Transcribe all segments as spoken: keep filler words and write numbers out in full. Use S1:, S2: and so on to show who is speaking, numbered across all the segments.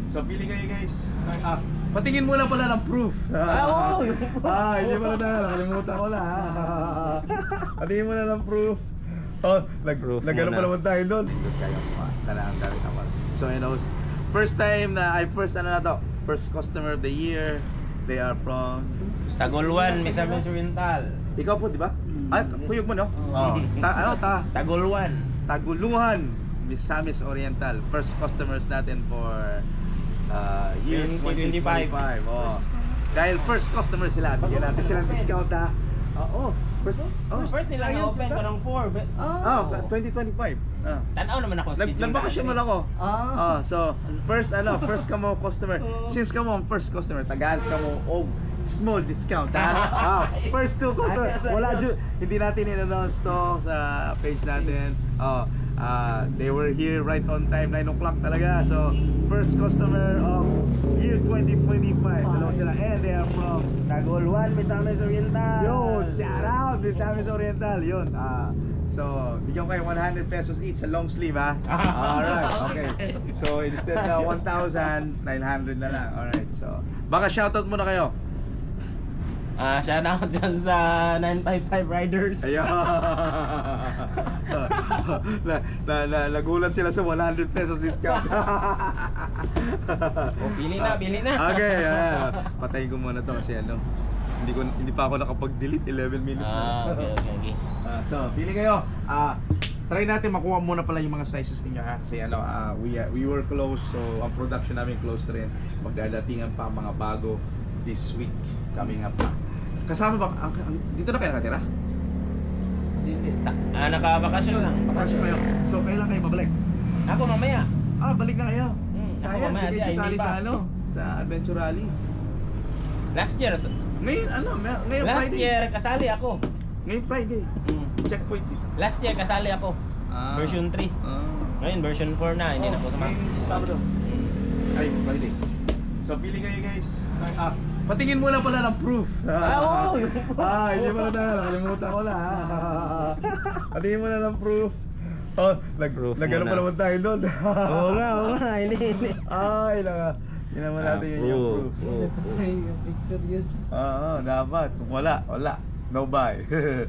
S1: So pili kayo guys. Ah, patingin muna pala ng proof.
S2: Ah, oo.
S1: Ah, hindi pala na. Nakalimutan ko na. ah. Patingin muna ng proof. Oh, nag
S2: Proof
S1: nagano
S2: muna.
S1: pa naman tayo doon. Doon kaya mo na ang gamit naman. So you know, first time na I first ano na to, first customer of the year. They are from
S2: Tagulwan, Misamis Oriental.
S1: ikaw po, di ba? Ay, kuyog mo no? Oh. Ta ano ta?
S2: Tagulwan.
S1: Taguluhan, Misamis Oriental. First customers natin for uh, year twenty
S2: twenty twenty-five.
S1: twenty-five. Oh. Dahil first customer sila, bigyan natin silang discount ha. Oo, first, oh,
S2: First nila na-open ko ng four.
S1: oh, twenty twenty-five. Ah.
S2: Tanaw naman ako.
S1: Nag nagbakasyon man ako.
S3: Ah.
S1: Ah, so first ano, first ka mo customer. Since ka mo ang first customer, tagaan ka mo og small discount ha. Ah, first two customer. Wala ju hindi natin in-announce to sa page natin. Oh, ah, they were here right on time, nine o'clock talaga. So, first customer of year twenty twenty-five. Dalawa sila and they are from
S2: Tagulwan, Misamis Oriental.
S1: Yo, shout out Misamis Oriental. Yun. Ah, so, bigyan ko kayo one hundred pesos each sa long sleeve ha. Alright, okay. So, instead na one thousand, nine hundred na lang. Alright, so, baka shoutout muna kayo.
S2: Ah, shout out dyan sa nine five five Riders.
S1: Ayun. na, na, na, nagulat sila sa one hundred pesos discount.
S2: Oh, pili na, pili na.
S1: Okay, ayan. Patayin ko muna to kasi ano, hindi ko hindi pa ako nakapag-delete, eleven minutes na.
S2: Ah, okay, okay, okay.
S1: Ah, so, pili kayo. Ah, try natin makuha muna pala yung mga sizes ninyo ha. Kasi ano, ah, we uh, we were close, so ang production namin close rin. Magdadatingan pa mga bago this week coming up pa. Kasama ba ang, ang, dito na kayo nakatira?
S2: Ah, nakabakasyon lang.
S1: Bakasyon kayo. So, kailan kayo babalik?
S2: Ako mamaya.
S1: Ah, balik na kayo.
S2: Hmm, ako
S1: Sayang,
S2: mamaya,
S1: hindi
S2: siya,
S1: kayo
S2: hindi
S1: sasali
S2: pa.
S1: sa ano? Sa Adventure Rally.
S2: Last year,
S1: Ngayon, ano, may- ngayon
S2: last
S1: Friday.
S2: year kasali ako.
S1: Ngayon Friday.
S2: Hmm.
S1: Checkpoint dito.
S2: Last year kasali ako.
S1: Ah.
S2: Version three.
S1: Ah.
S2: Ngayon version four na, hindi na ako sama.
S1: Ngayong Sabado.
S2: Hmm.
S1: Ay, Friday. So, pili kayo guys. Ah, patingin muna pala ng proof.
S2: Ah, oo.
S1: Ah, hindi pala na. Nakalimutan ko na. ah. Patingin muna ng proof. Oh, nag
S2: Proof
S1: nagano
S2: muna.
S1: pa naman tayo doon.
S2: Oo nga, oo nga, hindi, hindi.
S1: Ay, naka. Hindi naman
S2: Ah,
S1: natin yun yung
S2: proof,
S1: proof.
S2: proof.
S3: Picture yun.
S1: Oo, dapat. Kung wala, wala. No buy.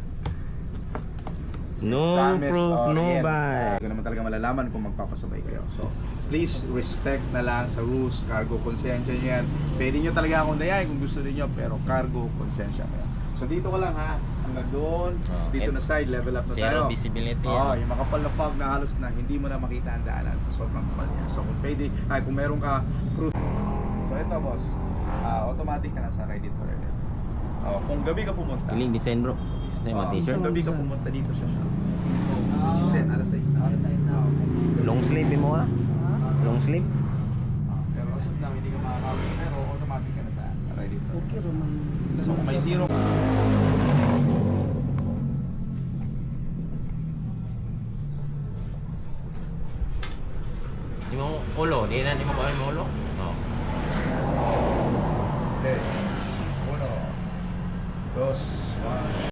S2: No
S1: Samis
S2: proof, no
S1: Orient.
S2: buy.
S1: Hindi ko naman talaga malalaman kung magpapasabay kayo. So, please respect na lang sa rules, cargo, konsensya nyo yan. Pwede nyo talaga akong dayain kung gusto niyo, pero cargo, konsensya kayo. So, dito ka lang ha, hanggang doon,
S2: Oh,
S1: dito
S2: et-
S1: na side, level up na tayo.
S2: Zero visibility
S1: Oo,
S2: yan.
S1: yung makapal na fog na halos na hindi mo na makita ang daanan sa sobrang kapal niya. So, kung pwede, ay, kung meron ka proof. So, ito boss, ah, automatic ka na sa ride it forever. Oh, kung gabi ka pumunta,
S2: Kiling design bro. Ito yung mga
S1: oh,
S2: t-shirt.
S1: kung gabi ka pumunta dito siya.
S3: Ah.
S1: Hindi, alas sais na.
S3: Alas sais na.
S1: Oo.
S2: Long sleeve mo ha? Long sleeve?
S1: Ah, pero as of now, hindi ka makakawin. Pero automatic ka na sa ride it forever.
S3: Okay naman.
S1: So, kung may zero ka,
S2: Di mo ulo, di na di mo kuha mo ulo. Oh.
S1: okay. Uno, dos, one.